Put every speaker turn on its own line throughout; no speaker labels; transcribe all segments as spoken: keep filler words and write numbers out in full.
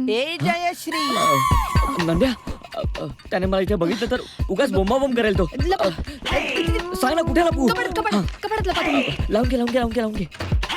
ए जयश्री.
नंद्या, त्याने मला इथे बघितलं तर उगाच बोंबाबोंब करेल तो.
लपा.
सांग ना कुठे लपू.
कपाटात कपाटात कपाटात लपा तुम्ही.
लावून घे लावून घे लावून घे लावून घे.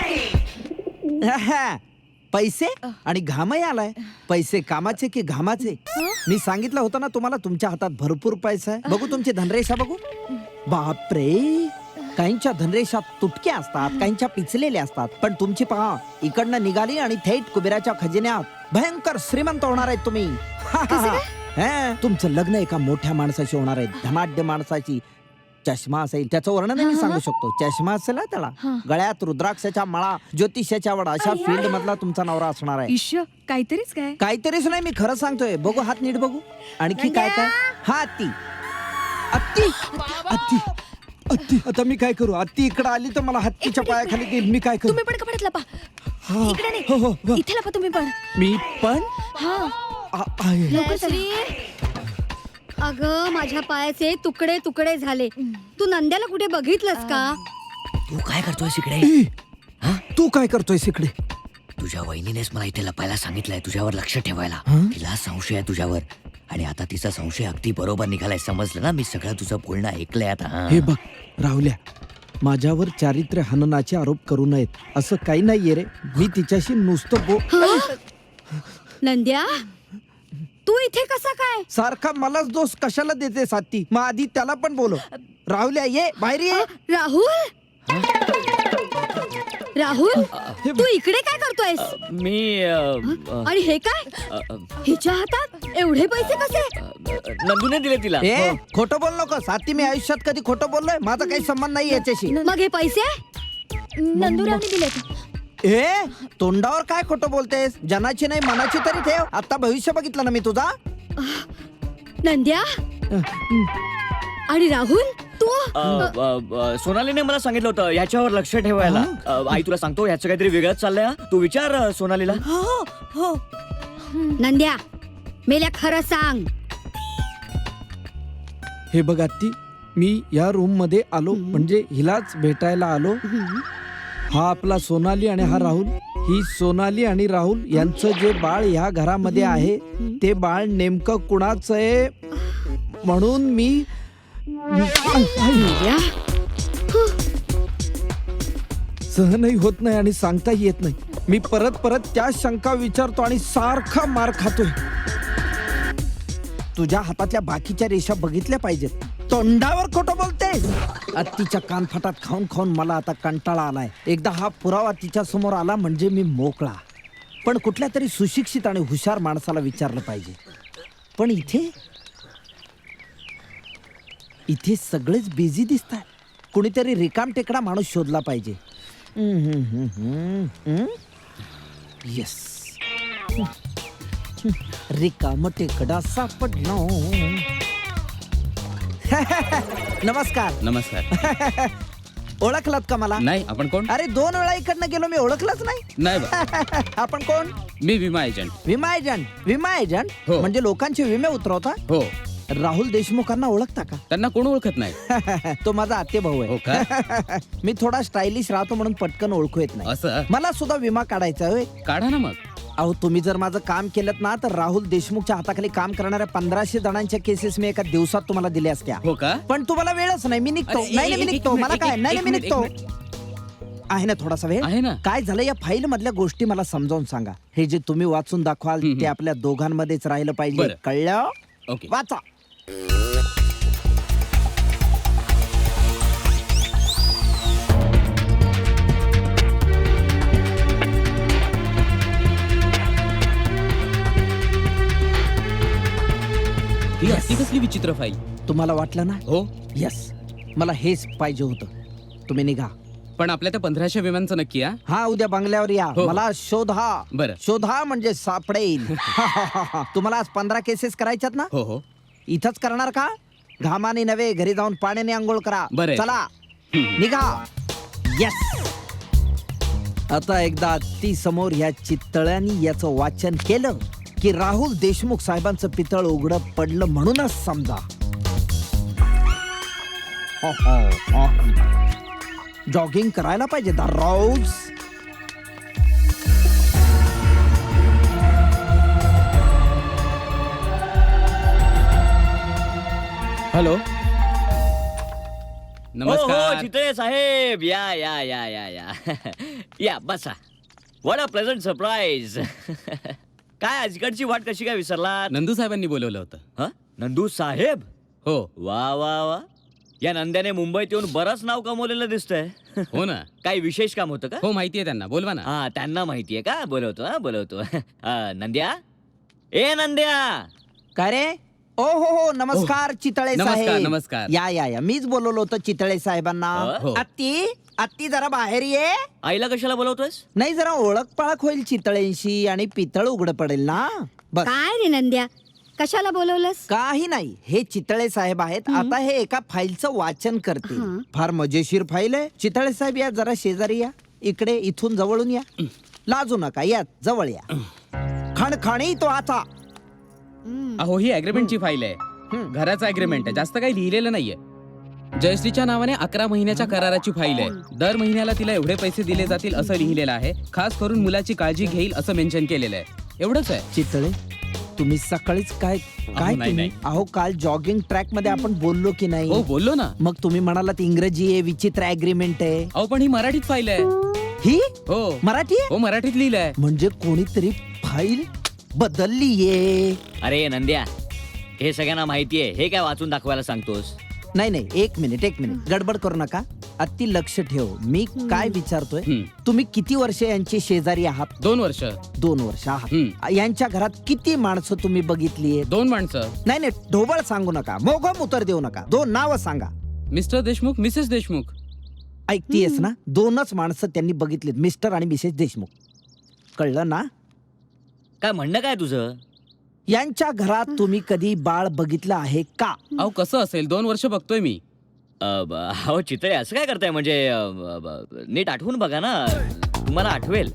पैसे आणि घामही आलाय. पैसे कामाचे की घामाचे? मी सांगितलं होतं ना तुम्हाला तुमच्या हातात भरपूर पैसा आहे. बघू तुमची धनरेषा बघू. बापरे, काहींच्या धनरेषा तुटक्या असतात, काहींच्या पिचलेल्या असतात, पण तुमची पहा इकडनं निघाली आणि थेट कुबेराच्या खजिन्यात भयंकर श्रीमंत होणार आहेत तुम्ही. हा, तुमचं लग्न एका मोठ्या माणसाशी होणार आहे, धनाढ्य माणसाची. चष्मा असेल, त्याचं वर्णन मी सांगू शकतो. चष्मा असेल ना त्याला, गळ्यात रुद्राक्षाच्या माळा, ज्योतिषाच्या वडा, अशा फील्ड मधला तुमचा नवरा असणार आहे.
ईश्य, काहीतरीच काय.
काहीतरीच नाही, मी खरं सांगतोय. बघू हात नीट बघू. आणखी काय काय? हा अत्ती अत्ती अत्ती अत्ती आता मी काय करू? अत्ती इकडे आली तर मला हत्तीच्या पायाखाली देईल. मी काय करू?
तुम्ही पण कपाटात लपा.
हा.
इकडे
हो, हो,
नाही,
हो.
इथे लपा तुम्ही पण.
मी पण
हा,
आ- आहे.
लवकर चला.
अगं माझ्या पायाचे तुकडे तुकडे झाले. तू नंद्याला कुठे बघितलंस का?
तू काय करतोय इकडे?
ए, तू काय करतोय इकडे?
तुझ्या वहिनीनेच मला इथे लपायला सांगितलंय, तुझ्यावर लक्ष ठेवायला.
हं?
तिला संशय आहे तुझ्यावर, आणि आता तिचा संशय अगदी बरोबर निघालाय. समजलं ना? मी सगळं तुझं बोलणं ऐकलंय आता. हं.
हे बघ राहुल्या, माझ्यावर चारित्र्य हननाचे आरोप करू नयेत. असं काही नाहीये रे. मी तिच्याशी नुसतं बो
नंद्या, तू इथे कसा काय?
सारखा मलाच दोष कशाला देते साथी? मग आधी त्याला पण बोलो. राहुल्या ये बाहेर ये.
राहुल, राहुल, तू इकडे काय करतोयस?
मी अ, अ,
आणि हे काय?
अ, अ,
हिच्या हातात एवढे पैसे कसे?
नंदूने दिले तिला.
ए
हो.
खोटं बोल नको साथी. मी आयुष्यात कधी खोटं बोललोय? माझा काही संबंध नाही याच्याशी.
मग हे पैसे?
नंदुरावने दिलेत.
ए तोंडावर काय खोटं बोलतेस? जनाची नाही मनाची तरी ठेव. आता भविष्य बघितलं ना मी तुझा.
नंद्या आणि राहुल, तू
अ, अ, अ, सोनालीने मला सांगितलं होतं ह्याच्यावर लक्ष ठेवायला. अ, आई तुला सांगतो, ह्याचं काहीतरी वेगळंच चाललंय. हा. तू विचार अ, सोनालीला.
नंद्या, मेल्या खरं सांग.
हे बघ आत्ती, मी या रूम मध्ये आलो म्हणजे हिलाच भेटायला आलो. हा आपला सोनाली आणि हा राहुल. ही सोनाली आणि राहुल यांचं जे बाळ ह्या घरामध्ये आहे ते बाळ नेमकं कुणाचं आहे म्हणून मी
नंद्या,
सहनही होत नाही आणि सांगताही येत नाही. मी परत परत त्या शंका विचारतो आणि सारखा मार खातोय. तुझ्या हातातल्या बाकीच्या रेषा बघितल्या पाहिजेत. तोंडावर खोटं बोलतेस. अत्तीच्या कानफटात खाऊन खाऊन मला आता कंटाळा आलाय. एकदा हा पुरावा तिच्या समोर आला म्हणजे मी मोकळा. पण कुठल्या तरी सुशिक्षित आणि हुशार माणसाला विचारलं पाहिजे. पण इथे इथे सगळेच बिझी दिसतात. कुणीतरी रिकाम टेकडा माणूस शोधला पाहिजे. येस, रिकाम टेकडा सापडला. नमस्कार.
नमस्कार.
ओळखलात का मला?
नाही, आपण कोण?
अरे दोन वेळा इकडनं गेलो मी, ओळखलंच नाही.
नाही बा.
आपण कोण?
मी विमा एजंट.
विमा एजंट. विमा एजंट
हो.
म्हणजे लोकांचे विमे उतरवता?
हो.
राहुल देशमुखांना ओळखता का?
त्यांना कोण ओळखत नाही.
तो माझा आत्ते भाऊ
हो
आहे.
का?
मी थोडा स्टायलिश राहतो म्हणून पटकन ओळखू येत नाही.
असं?
मला सुद्धा विमा काढायचा आहे.
काढा ना मग.
अहो तुम्ही जर माझं काम केलं ना तर राहुल देशमुखच्या हाताखाली काम करणाऱ्या पंधराशे जणांच्या केसेस मी एका दिवसात तुम्हाला दिल्या असत्या.
हो का?
पण तुम्हाला वेळच नाही. मी निघतो.
अरे,
नाही नाही, मी
एक-
निघतो.
एक
मला
मिनिट,
काय
एक-
नाही
एक
नाही, मी
मिनिट,
निघतो. आहे ना थोडासा वेळ?
आहे ना.
काय झालं या फाईल मधल्या गोष्टी मला समजावून सांगा. हे जे तुम्ही वाचून दाखवाल
हम्म,
ते आपल्या दोघांमध्येच राहिलं पाहिजे.
बरं.
कळलं?
ओके.
वाचा.
ही अशी कसली विचित्र फाईल?
तुम्हाला वाटलं ना?
हो.
यस, मला हेच पाहिजे होतं. तुम्ही निघा.
पण आपल्या त्या पंधराशे विमानचं नक्की? हा.
हा उद्या बंगल्यावर या.
हो.
मला शोधा.
बरं.
शोधा म्हणजे सापडेल. तुम्हाला आज पंधरा केसेस करायच्यात ना?
हो हो.
इथंच करणार का? घामाने नव्हे, घरी जाऊन पाण्याने आंघोळ करा.
बरं.
चला निघा. येस. आता एकदा ती समोर या चितळ्यांनी याचं वाचन केलं की राहुल देशमुख साहेबांचं पितळ उघडं पडलं म्हणूनच समजा. जॉगिंग करायला पाहिजे दररोज.
हॅलो
हो
नमस्कार
चितळे साहेब या या या या या या बसा. What a pleasant surprise. काय आजकडची वाट कशी काय विसरलात?
नंदू साहेबांनी बोलवलं होतं.
हं? नंदू साहेब.
हो
वा वा वा. या नंद्याने मुंबईत येऊन बरंच नाव कमवलेलं दिसतंय.
हो ना.
काही विशेष काम होतं का?
हो माहितीये त्यांना, बोलवा ना.
हा त्यांना माहितीये का? बोलवतो हा बोलवतो. अं, नंद्या ए नंद्या.
काय रे? ओ हो हो नमस्कार चितळे
नमस्कार,
साहेब.
नमस्कार.
या या या मीच बोलवलं होतं चितळे साहेबांना.
हो.
आत्ती आत्ती जरा बाहेर ये.
आईला कशाला बोलवतोयस?
नाही जरा ओळख पाळख होईल चितळेंशी आणि पितळ उघड पडेल ना. बस
काय रे नंद्या कशाला बोलवलंस?
काही नाही, हे चितळे साहेब आहेत. आता हे एका फाईलचं वाचन करतील.
हं.
फार मजेशीर फाईल आहे. चितळे साहेब या जरा शेजारी या. इकडे इथून जवळून या. लाजू नका, या जवळ या. खणखणी तो आता.
अहो ही अग्रीमेंटची फाईल आहे.
हम्म.
घराचा अग्रीमेंट आहे, जास्त काही लिहिलेलं नाहीये. जयश्रीच्या नावाने अकरा महिन्याच्या कराराची फाईल आहे. दर महिन्याला तिला एवढे पैसे दिले जातील असं लिहिलेलं आहे. खास करून मुलाची काळजी घेईल असं मेन्शन केलेलं आहे. एवढंच आहे.
चितळे तुम्ही सकाळीच काय काय
नाही,
तुम्ही
नाही.
अहो काल जॉगिंग ट्रॅक मध्ये आपण बोललो की नाही?
हो बोललो ना.
मग तुम्ही म्हणालात इंग्रजी आहे, विचित्र अग्रीमेंट आहे.
अहो पण ही मराठीत फाईल आहे.
ही
हो
मराठी आहे?
हो मराठीत लिहिलंय.
म्हणजे कोणीतरी फाईल बदललीये.
अरे नंद्या हे सगळ्यांना माहितीये. हे काय वाचून दाखवायला सांगतोस?
नाही नाही एक मिनिट एक मिनिट गडबड करू नका. अति लक्ष ठेव. मी काय विचारतोय,
हम्म.
तुम्ही किती वर्ष यांची शेजारी आहात?
दोन वर्ष.
दोन वर्ष आहात.
हम्म.
यांच्या घरात किती माणसं तुम्ही बघितली?
दोन माणसं.
नाही नाही ढोबळ सांगू नका, मोगम उत्तर देऊ नका. दोन नाव सांगा.
Mr Deshmukh, Mrs Deshmukh.
ऐकतीयस ना? दोनच माणसं त्यांनी बघितलीत, मिस्टर आणि मिसेस देशमुख. कळलं ना?
काय म्हणणं काय तुझं?
यांच्या घरात तुम्ही कधी बाळ बघितलं आहे का?
अहो कसं असेल, दोन वर्ष बघतोय मी.
अ, ब- अहो चितळे असं काय करताय? म्हणजे अ, ब- ब- नीट आठवून बघा ना, तुम्हाला आठवेल.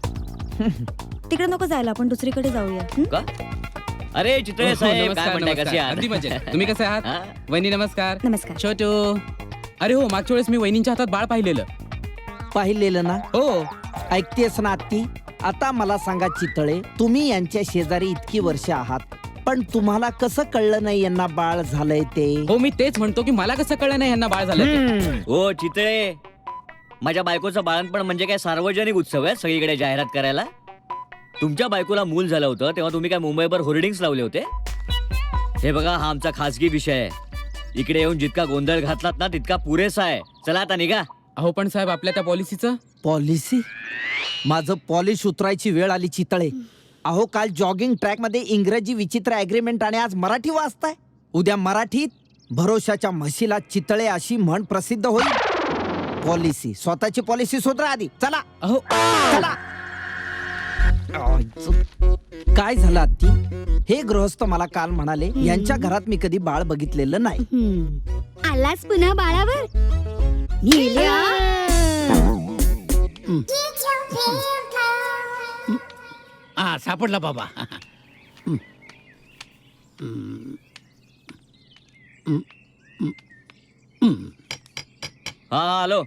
तिकडे नको जायला, आपण दुसरीकडे जाऊया. हं?
का? अरे चितळे
हो,
साहेब काय
नमस्कार
म्हणताय? कसे
नमस्कार.
आहात?
अगदी मजेत. तुम्ही कसे आहात?
हा?
वहिनी नमस्कार.
नमस्कार.
छोटू. अरे हो मागच्या वेळेस मी वहिनींच्या हातात बाळ पाहिलेलं.
पाहिलेलं ना?
हो.
ऐकतेस ना आत्ती? आता मला सांगा चितळे, तुम्ही यांच्या शेजारी इतकी वर्ष आहात, पण तुम्हाला कसं कळलं नाही यांना बाळ झालंय ते?
हो मी तेच म्हणतो की मला कसं कळलं नाही यांना बाळ झालं ते.
हम्म.
हो चितळे, माझ्या बायकोचं बाळणपण म्हणजे काय सार्वजनिक उत्सव आहे सगळीकडे जाहिरात करायला? तुमच्या बायकोला मूल झालं होतं तेव्हा तुम्ही काय मुंबईभर होर्डिंग्स लावले होते? हे बघा हा आमचा खासगी विषय आहे. इकडे येऊन जितका गोंधळ घातलात ना तितका पुरेसा आहे. चला आता निघा.
अहो पण साहेब आपल्या त्या पॉलिसीचं.
पॉलिसी? माझं पॉलिश उतरायची वेळ आली चितळे. अहो काल जॉगिंग ट्रॅक मध्ये इंग्रजी विचित्र अग्रीमेंट आणि आज मराठी वाचताय. उद्या मराठीत भरोशाच्या म्हशीला चितळे अशी म्हण प्रसिद्ध होईल. पॉलिसी, स्वतःची पॉलिसी सुधरा आधी. चला
अहो
चला. काय झालं आत्ती? हे गृहस्थ मला काल म्हणाले यांच्या घरात मी कधी बाळ बघितलेलं नाही.
हम्म. आलास पुन्हा बाळावर? नील्या.
हा सापडला बाबा.
हा हॅलो.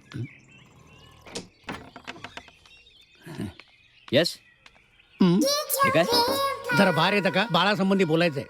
येस. हे काय?
जरा बाहेर येतं का? बाळासंबंधी बोलायचंय.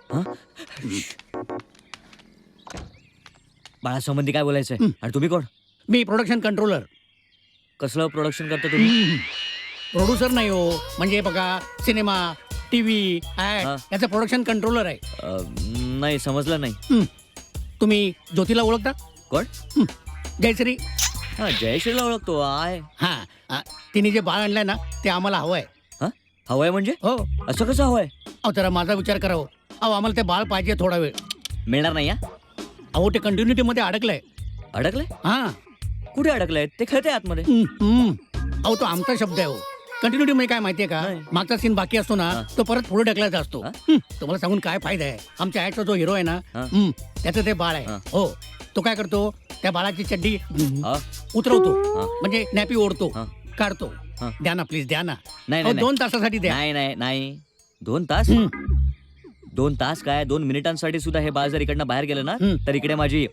बाळासंबंधी काय बोलायचंय? आणि तुम्ही कोण?
मी प्रोडक्शन कंट्रोलर.
कसलं प्रोडक्शन करता तुम्ही?
प्रोड्युसर नाही हो, म्हणजे बघा सिनेमा, टीव्ही, ऍड
हा.
याचं प्रोडक्शन कंट्रोलर आहे.
अ, नाही समजलं नाही.
हं. तुम्ही ज्योतीला ओळखता?
कोण?
हं. जयश्री.
हा जयश्रीला ओळखतो. आहे.
हा हा. तिने जे बाळ आणलंय ना ते आम्हाला हवंय.
हा हवंय म्हणजे?
हो.
असं कसं हवंय?
अहो जरा माझा विचार करा हो. अहो आम्हाला ते बाळ पाहिजे थोडा वेळ.
मिळणार नाही. हा
अहो ते कंटिन्युटी मध्ये अडकलंय.
अडकलंय?
हा.
कुठे अडकलंय? ते खेळते आतमध्ये.
हं, हं. अहो तो आमचा शब्द आहे हो. कंटिन्युटी मध्ये काय माहितीये का?
नाही.
मागचा सीन बाकी असतो ना
हा.
तो परत पुढे ढकलायचा असतो.
हा?
हं. तुम्हाला सांगून काय फायदा आहे? आमच्या ऍडचा जो हिरो आहे ना
हा.
हं, त्याचं ते बाळ आहे.
हा.
हो तो काय करतो? त्या बाळाची चड्डी
हा?
उतरवतो,
हा.
म्हणजे नॅपी ओढतो,
हा.
काढतो.
हा.
द्या ना प्लीज, द्या ना.
नाही
अहो,
नाही
दोन तासासाठी द्या.
नाही नाही नाही दोन तास?
हं.
दोन तास काय दोन मिनिटांसाठी सुद्धा हे बाळ जर इकडनं बाहेर गेलं ना
हं.
तर इकडे माझी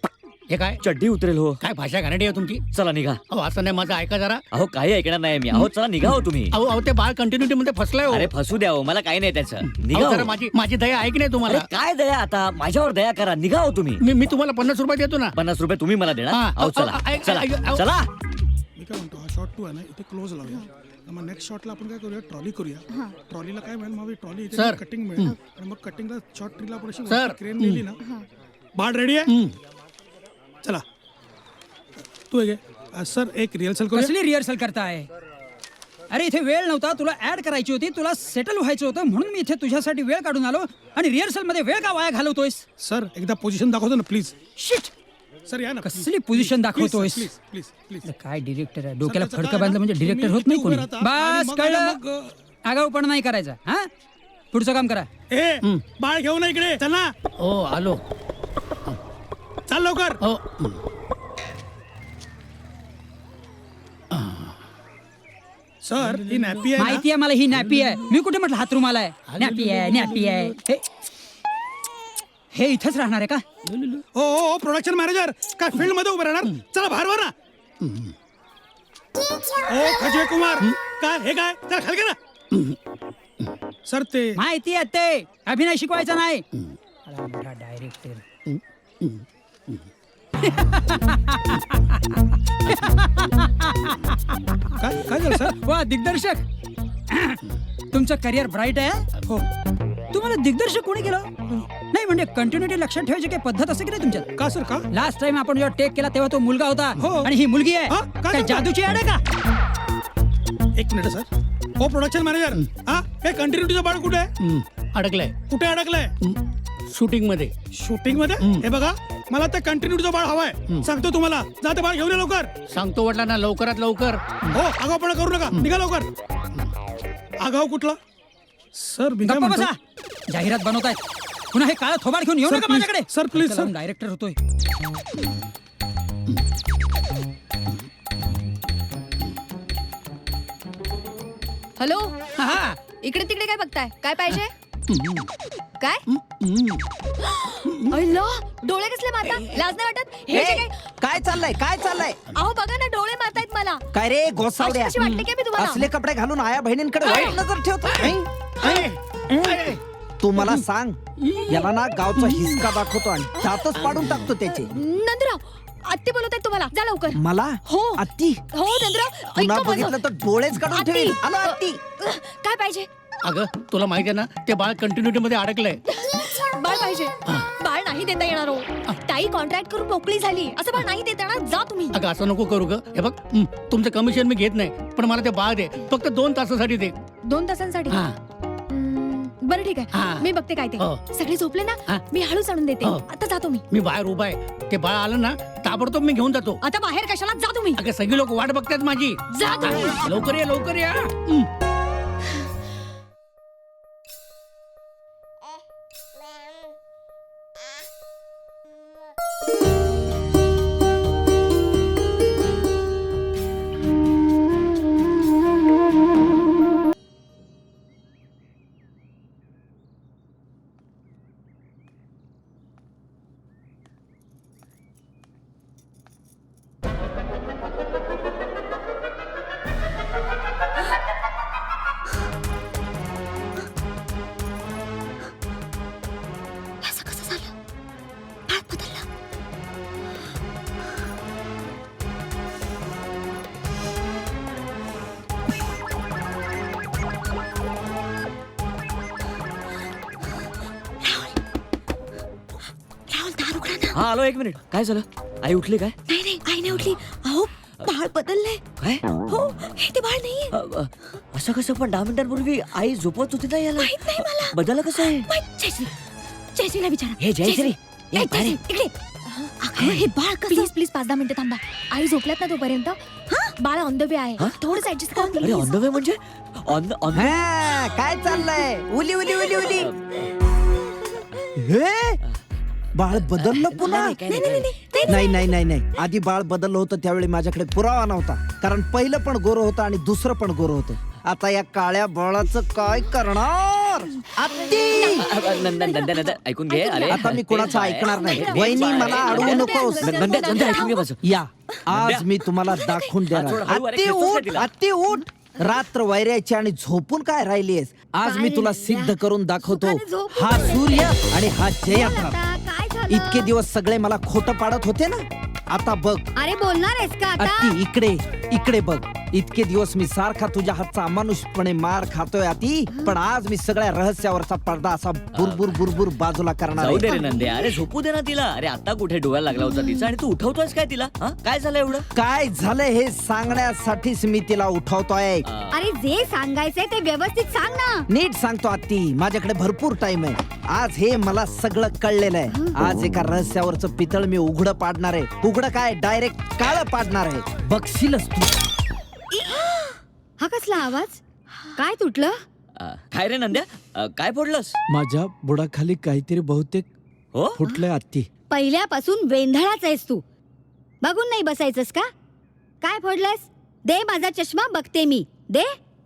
हे काय
चड्डी उतरेल हो.
काय भाषा घाणेरडी आहे तुमची.
चला निघा.
अहो असं नाही, माझं ऐका जरा.
अहो काही ऐकणार नाही मी. अहो चला निघा हो तुम्ही.
अहो अहो ते बाळ कंटिन्युटी मध्ये फसलंय हो.
अरे फसू द्या हो, मला काही नाही त्याचं. निघा
अहो,
हो.
जरा माझी माझी दया ऐक नाही
अरे
तुम्हाला.
काय दया आता, माझ्यावर दया करा. निघा हो तुम्ही.
मी मी तुम्हाला पन्नास रुपये देतो ना.
पन्नास रुपये तुम्ही मला देणार.
हा,
अहो
अहो,
चला
ऐक-
चला
ऐक- अहो.
चला.
मी काय म्हणतो, हा शॉट टू आहे ना, इथे क्लोज लावूया. मग नेक्स्ट शॉटला आपण काय करूया, ट्रॉली करूया. ट्रॉलीला काय मिळेल, मग ट्रॉली इथे
सर.
कटिंग मिळेल आणि मग कटिंगला शॉर्ट ट्रीला आपण अशी
सर.
क्रेन नेली ना. बाळ रेडी आहे. चला तू हे घे. अ, सर एक रिहर्सल करूया.
कसली रिहर्सल करताय? अरे इथे वेळ नव्हता, तुला ऍड करायची होती, तुला सेटल व्हायचं होतं, म्हणून मी इथे तुझ्यासाठी वेळ काढून आलो. आणि रिहर्सल मध्ये वेळ का वाया घालवतोयस?
सर एकदा पोझिशन दाखवतो ना प्लीज.
शिट,
सर या ना.
कसली पोझिशन दाखवतोयस?
Please please please.
काय डिरेक्टर आहे, डोक्याला
त्याचं
फडकं
काय
बांधलं
ना,
म्हणजे डिरेक्टर
तुम्ही
होत नाही
इथे
कोणी.
उभे राहता आणि
बस
मग आहे ना
कळलं,
मग, अ,
आगाऊपणा नाही करायचा. हा, पुढचं काम करा.
ए बाळ घेऊ ना इकडे. चल ना,
हो आलो.
चाल लवकर.
हो
सर ही नॅपी आहे ना.
माहिती आहे मला, ही नॅपी आहे. मी कुठे म्हटलं हात रुमाल आहे? नॅपी आहे, नॅपी आहे. हे- हे इथंच राहणार आहे का?
हो हो हो प्रोडक्शन मॅनेजर काय फील्ड मध्ये उभे राहणार. चला बाहेर वर ना. ओ खजवे कुमार काय हे काय, चला खाली गेला. सर ते
माहिती आहे ते अभिनय शिकवायचा नाही. डायरेक्टर
काय काय झालं सर.
वा दिग्दर्शक, तुमचं करिअर ब्राईट आहे.
हो
तुम्हाला दिग्दर्शक कोणी केलं? नाही म्हणजे कंटिन्युटी लक्षात ठेवायची काही पद्धत असते की नाही तुमच्यात?
का सर का.
लास्ट टाइम आपण जेव्हा टेक केला तेव्हा तो मुलगा होता
हो.
आणि ही मुलगी
हा?
आहे.
काय
काय
सांगता?
जादूची ऍड आहे का?
एक मिनिट सर. हो प्रोडक्शन मॅनेजर हा हे कंटिन्युटीचं बाळ कुठे आहे.
हम्म, अडकलंय
कुठे अडकलंय.
शूटिंग मध्ये.
शूटिंग मध्ये. हे बघा मला त्या कंटिन्युटीचं बाळ हवाय. सांगतो तुम्हाला, जा ते बाळ घेऊन ये लवकर.
सांगतो वाटला ना, लवकरात लवकर.
हो आगाऊपणा करू नका, निघा लवकर. आगाऊ कुठला सर. मी काय
गप्पा
म्हणतो.
बसा, जाहिरात बनवतायत. पुन्हा हे काळं थोबाड घेऊन येऊ
सर,
नका
please.
माझ्याकडे.
Sir, please, sir.
डायरेक्टर होतोय.
हॅलो,
हा,
इकडे तिकडे काय बघताय? काय पाहिजे? काय अय्ला, डोळे कसले मारता? लाज नाही वाटत? हे जे
ए,
काय-
काय चाललंय काय चाललंय.
अहो बघा ना, डोळे मारतायत मला.
काय रे गोसावड्या,
अशी कशी वाटते काय मी तुम्हाला?
असले कपडे घालून आया बहिणींकडे वाईट नजर ठेवतो. ऐ, ऐ. तू मला सांग, याला ना गावचा हिसका दाखवतो आणि त्यातच पाडून टाकतो त्याचे.
नंदराव, आत्ती बोलत आहेत तुम्हाला. जा लवकर.
मला
हो.
अत्ती
हो नंदराव,
पुन्हा
ऐका माझं.
बघितलं तर डोळेच काढून
आत्ती.
ठेवील. आलो अत्ती.
अह, काय पाहिजे?
अगं तुला माहिती आहे ना, ते बाळ कंटिन्युटी मध्ये अडकलंय.
बाळ पाहिजे. बाळ नाही देता येणार हो. ताई कॉन्ट्रॅक्ट करून मोकळी झाली. असं बाळ नाही देता येणार. जा तुम्ही.
अगं असं नको करू ग. हे बघ, हं, तुमचं कमिशन मी घेत नाही, पण मला ते बाळ दे. फक्त दोन तासासाठी दे.
दोन तासांसाठी.
हा.
हम्म, बरं ठीक
हा.
आहे, मी बघते काय ते.
हो.
सगळे झोपले
हा.
ना, मी हळूच आणून देते.
हो.
आता जातो मी.
मी बाहेर उभा आहे. ते बाळ आलं ना, ताबडतोब मी घेऊन जातो.
आता बाहेर कशाला? जा तुम्ही.
अगं सगळी लोक वाट बघतात माझी.
जा तुम्ही.
लवकर या, लवकर या. हं.
असं कसं झालं? बाळ बदललं. राहुल, दार उघडा ना.
हा आलो. एक मिनिट. काय झालं? आई उठली काय?
नाही नाही, आई नाही उठली. अहो बाळ बदललंय.
काय
हो, हे ते बाळ नाहीये.
अ, अ, असं कसं? पण दहा मिनिटांपूर्वी आई झोपत होती ना याला.
माहित नाही मला.
बदललं कसं आहे?
माहित- जयश्री, जयश्रीला विचारा.
हे जयश्री,
ए,
ये बाहेर ये.
जयश्री, इकडे. अगं, हे बाळ प्लीज प्लीज पाच दहा मिनिटं थांबा. आई झोपल्यात ना तोपर्यंत. बाळ ऑन द वे आहे.
हा?
थोडंच ऍडजस्ट करा
अरे
please.
ऑन द वे म्हणजे ऑन ऑन
हा, काय चाललंय. उली उली उली उली. हे बाळ बदललं पुन्हा.
काय नाही, काय नाही.
नाही नाही नाही नाही आधी बाळ बदललं होतं त्यावेळी माझ्याकडे पुरावा नव्हता, कारण पहिलं पण गोरं होतं आणि दुसरं पण गोरं होतं. आता या काळ्या बाळाचं काय करणार. समोर आत्ती.
अ, अ, नंदन नंदन नंदन ऐकून घे अरे
आता मी कोणाचं
तेच
ऐकणार नाही.
तेच
वहिनी,
आहे.
मला अडवू
नंदन,
नकोस.
नंदन नंदन ऐकून घे माझं.
या आज मी तुम्हाला दाखवून
हात
देणार.
सोड, हळू, अरे,
आत्ती
खेचतोस काय
उठ,
तिला?
आत्ती उठ. रात्र वैऱ्याची आणि झोपून काय राहिलीयस? आज मी तुला सिद्ध करून दाखवतो.
सुखाने झोपून
हा सूर्य आणि हा जयद्रथ.
आता काय झालं
इतके दिवस सगळे मला खोटं पाडत होते ना, आता बघ.
अरे बोलणार आहेस का आता
अत्ती इकडे इकडे बघ. इतके दिवस मी सारखा तुझ्या हातचा अमानुषपणे मार खातोय अति, पण आज मी सगळ्या रहस्यावरचा पडदा असा बुरबुर बुरबुर बाजूला करणार
जाऊ दे
आहे.
रे नंदे, अरे झोपू दे ना तिला. अरे आता कुठे डोळ्याला लागला होता तिचा आणि तू उठवतोयस काय तिला? हा? काय झालं एवढं?
काय झालंय हे सांगण्यासाठीच मी तिला उठवतोय.
अ,
अरे जे सांगायचंय ते व्यवस्थित सांग ना.
नीट सांगतो आत्ती, माझ्याकडे भरपूर टाइम आहे. आज हे मला सगळं कळलेलं आहे. आज एका रहस्यावरचं पितळ मी उघडं पाडणार आहे. उघडं काय, डायरेक्ट काळं पाडणार आहे. बघशीलच तू.
हा कसला आवाज? काय तुटलं?
अ, काय रे नंद्या, अ, काय फोडलंस?
माझ्या बुडाखाली काहीतरी बहुतेक
हो
फुटलंय आत्ती.
पहिल्यापासून वेंधळाच आहेस तू. बघून नाही बसायचंस का? काय फोडलंस? दे माझा चष्मा, बघते मी. दे.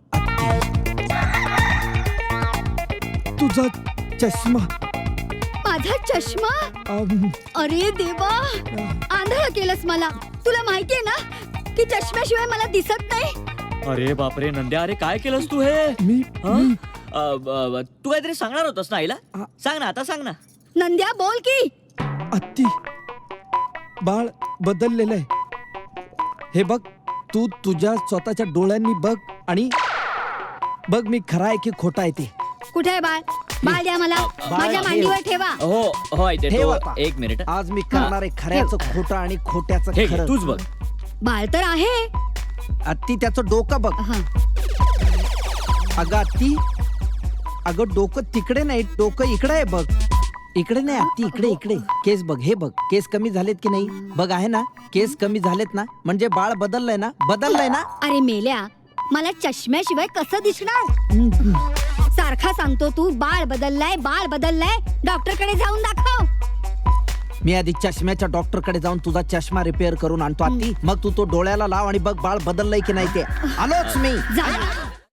तुझा चष्मा.
माझा चष्मा?
अम,
अरे देवा, आंधळ केलंस मला. तुला माहितीये ना की चष्म्याशिवाय मला दिसत नाही.
अरे बापरे नंद्या, अरे काय केलंस तू हे?
मी
हा? अ, ब- ब- तू काहीतरी सांगणार होतास ना आईला?
आ-
सांग ना, आता सांग ना.
नंद्या बोल की.
अत्ती, बाळ बदललेलं आहे. हे बघ, तू तुझ्या स्वतःच्या डोळ्यांनी बघ आणि बघ मी खरा आहे की खोटा आहे ते.
कुठे आहे बाळ? बाळ द्या मला.
बाळ
माझ्या
ठेव.
मांडीवर ठेवा.
हो हो आई
ठेव
देतो.
आता.
एक मिनिट.
आज मी करणार आहे खऱ्याचं खोटं आणि खोट्याचं
हे घे,
खरं.
तूच बघ.
बाळ तर आहे.
अत्ती त्याचं डोकं बघ.
हा.
अगं अत्ती, अगं डोकं तिकडे नाही, डोकं इकडे आहे बघ. इकडे नाही अत्ती, इकडे इकडे. केस बघ, हे बघ, केस कमी झालेत की नाही बघ. आहे ना, केस कमी झालेत ना, म्हणजे बाळ बदललंय ना, बदललंय ना.
अरे मेल्या, मला चष्म्याशिवाय कसं दिसणार? सारखा सांगतो तू बाळ बदललाय, बाळ बदललाय. डॉक्टर कडे जाऊन दाखव.
मी आधी चष्म्याच्या डॉक्टर कडे जाऊन तुझा चष्मा रिपेअर करून आणतो अत्ती. मग तू तो डोळ्याला लाव आणि बघ बाळ बदललंय की नाही ते. आलोच मी.
जा.